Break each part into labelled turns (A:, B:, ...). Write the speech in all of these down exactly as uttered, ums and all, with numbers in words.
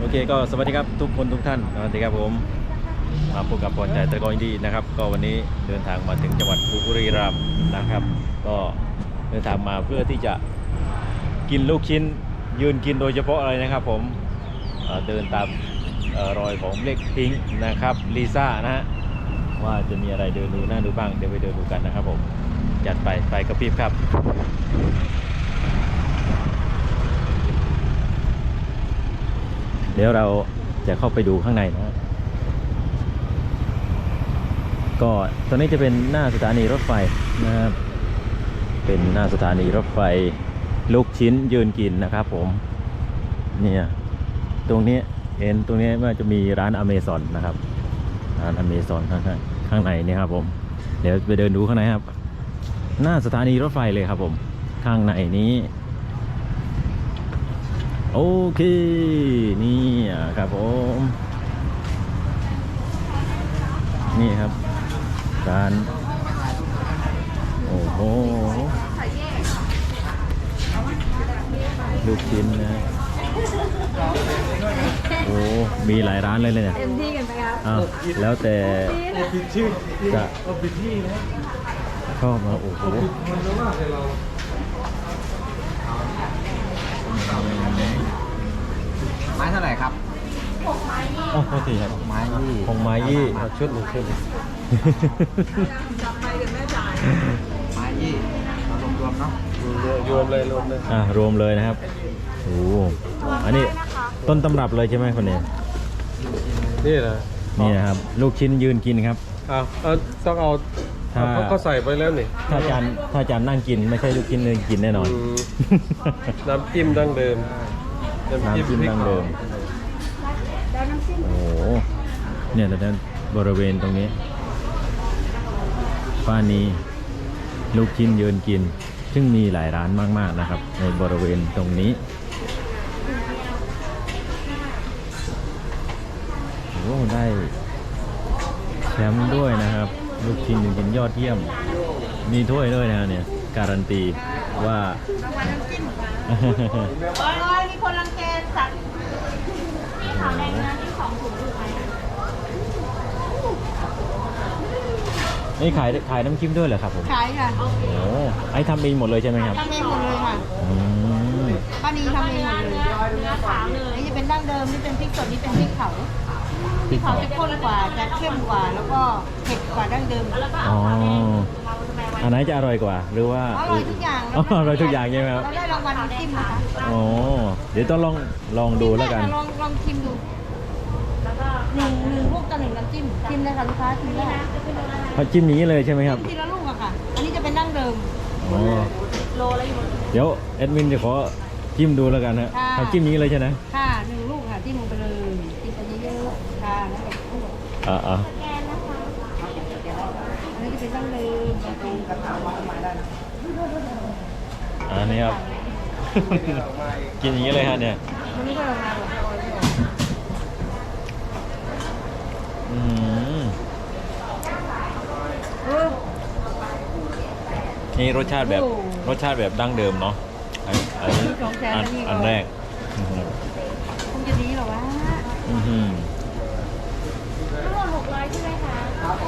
A: เคก็สวัสดีครับทุกคนทุกท่านสวัสดีครับผมมาพบกับพรใจตะกอนดีนะครับก็วันนี้เดินทางมาถึงจังหวัดบุรีรัมย์นะครับก็เดินทางมาเพื่อที่จะกินลูกชิ้นยืนกินโดยเฉพาะอะไรนะครับผมเดินตามรอยของเล็กพิงค์นะครับลิซ่านะฮะว่าจะมีอะไรเดินดูน่าดูบ้างเดี๋ยวไปเดินดูกันนะครับผมจัดไปไปกระพริบครับเดี๋ยวเราจะเข้าไปดูข้างในนะก็ตอนนี้จะเป็นหน้าสถานีรถไฟนะครับเป็นหน้าสถานีรถไฟลูกชิ้นยืนกินนะครับผมเนี่ยตรงนี้เห็นตรงนี้ว่าจะมีร้านอเมซอนนะครับร้านอเมซอนข้างข้างในนี่ครับผมเดี๋ยวไปเดินดูข้างในครับหน้าสถานีรถไฟเลยครับผมข้างในนี้โอเคนี่ครับผมนี่ครับร้านโอ้โหลูกชิ้นนะโอ้มีหลายร้านเลยเนี่ย
B: เต็มที่กันไปครับ
A: อ้าวแล้วแต่
C: ปิดชื่อ
A: จะ
C: ปิดที่นะ
A: ชอบมาโอ้โห
C: มันจะว่าเราไม้เท่าไหร่ครับ
A: หกไม้ยี่อ๋อโทษทีครับ
C: ไม้ยี่
A: หกไม้ยี่
C: ชุดหนึ่งชุด
B: จับไปกันแม่จ่าย
C: ไม้ยี่เรารวมรวมเนาะรวมเลยรวมเลย
A: อ่ารวมเลยนะครับโอ้อันนี้ต้นตำรับเลยใช่ไหมคนนี้
C: นี่นะ
A: นี่นะครับลูกชิ้นยืนกินครับ
C: อ้าวต้องเอาถ้าเขาใส่ไปแล้วนี่
A: ถ้าจานถ้าจานนั่งกินไม่ใช่ลูกชิ้นยืนกินแน่นอน
C: น้ำจิ้มดั้งเดิม
A: น้ำจิ้มดั้งเดิมโอ้โหเนี่ยแต่บริเวณตรงนี้ป้านี้ลูกชิ้นยืนกินซึ่งมีหลายร้านมากๆนะครับในบริเวณตรงนี้โอ้ได้แชมป์ด้วยนะครับลูกชิ้นยืนกินยอดเยี่ยมมีถ้วยด้วยนะเนี่ยการันตีว่า
B: โอ้ยมีคนรังแกสัตว์ที่ขาวแดงนะที่สองถุงถูกไหม
A: นี่ขายขายน้ำจิ้มด้วยเหรอครับผม
B: ขายค่ะ
A: โอ้ไอ้ทำเองหมดเลยใช่ไหมครับ
B: ทำเองหมดเลยค่ะป้านีทำเองหมดเลยเนื้อขาวเลยนี่จะเป็นดั้งเดิมนี่เป็นพริกสดนี่เป็นพริกเผาพริกเผาจะข้นกว่าจะเข้มกว่าแล้วก็เผ็ดกว่าดั้งเดิม
A: อ๋ออันไหนจะอร่อยกว่าหรือว่า
B: อร่อยทุกอย่าง
A: อร่อยทุกอย่างใช่ไหมครับ
B: เราได้รางวัลน้ำจิ้มนะคะ
A: โอ้เดี๋ยวต้องลองลองดูแล้วกัน
B: ลองลองชิมดูหนึ่งหนึ่งลูกต่อหนึ่งน้ำจิ้มชิมเลยค่ะลูกค้าชิมได้
A: เขาจิ้มนี้เลยใช่ไหมครับ
B: ทีละลูกอะค่ะอันนี้จะเป็นดั้งเดิม
A: อ๋อ
B: โลละอยู่
A: เดี๋ยวแอดมินจะขอจิ้มดูแล้วกันนะเขาจิ้มนี้เลยใช่ไหม
B: ค่ะหนึ่งลูกค่ะจิ้มลงไปเลยจิ้มไปเยอะๆค่ะแล้วก็
A: อ่าอ่า
B: อันนี้จะเป็นดั้งเดิมกระถางวางไม้ได้นะ
A: อันนี้ครับกินอย่างนี้เลยฮะเนี่ย
B: มันไม่ได้ออกมาหรอก
A: อืมนี่รสชาติแบบรสชาติแบบดั้งเดิมเนาะอันนี้อันอันแรก
B: คงจะดีหรอวะ
A: อืม
B: ทั้งหมดหกร้อยใช่ไหมคะ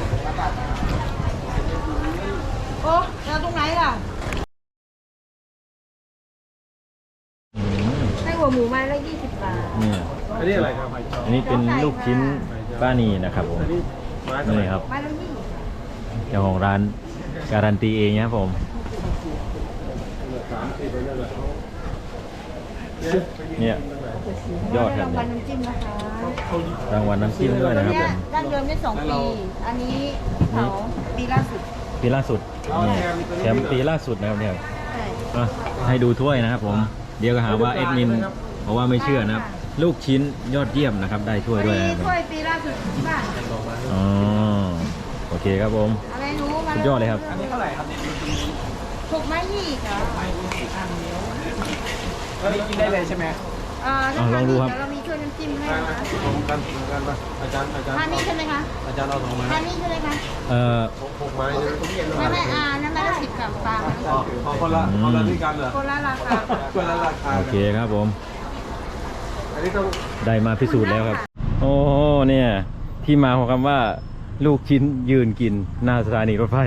B: โอ้แล้วตรงไหนล่ะให้หัวหมูไม้ละยี่สิบบาท
A: นี่
C: อันนี้อะไรครับ
A: อันนี้เป็นลูกชิ้นป้านีนะครับผมนี่ครับเจ้าของร้านการันตีเองนะครับผมเนี่ยยอดครับเนี่ยรางวัลน้ำจิ้มด้วยนะครับผม
B: ดั้งเดิมได้สองปีอันนี้เขาปีล่าสุด
A: ปีล่าสุดแชมป์ปีล่าสุดนะครับเนี่ยให้ดูถ้วยนะครับผมเดี๋ยวก็หาว่าเอ็ดมินเพราะว่าไม่เชื่อนะครับลูกชิ้นยอดเยี่ยมนะครับได้ถ้วยด้วยนะครับ
B: ถ้วยปีล่าสุดที่บ้าน
A: อ๋อโอเคครับผมสุดยอดเลยครับ
B: ถูกไหมยี่ค่ะ
C: แล้วนี่กินได้เลยใช่ไหม
B: อ่าลองดูครับเรามีถ้วยน้ำจิ้มให้นะ
C: ตรงกันตรงกันป่ะอาจารย์อาจารย์
B: ทานนี่ใช่ไหมคะ
C: อาจารย์เอาสองไม้
B: ทานนี่ใช่ไหมคะ
A: เอ่อ
C: หกไม้
B: ไม่ไม่อ่านั่นไม่ละสิบกับปลา
C: คนละคนละที่กันเหรอ
B: คนละราคา
C: คนละราคา
A: โอเคครับผม
B: อ
C: อันนี้ต้อง
A: ได้มาพิสูจน์แล้วครับ โอ้เนี่ย ที่มาของคำว่าลูกชิ้นยืนกินหน้าสถานีรถไฟ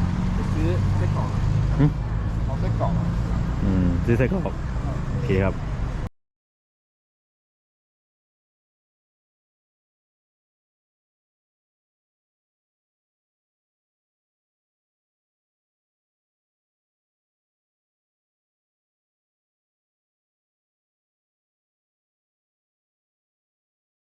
C: ซื้อไส้กรอก
A: หึ
C: เอาไส้กรอก
A: อืมซื้อไส้กรอกโอเคครับ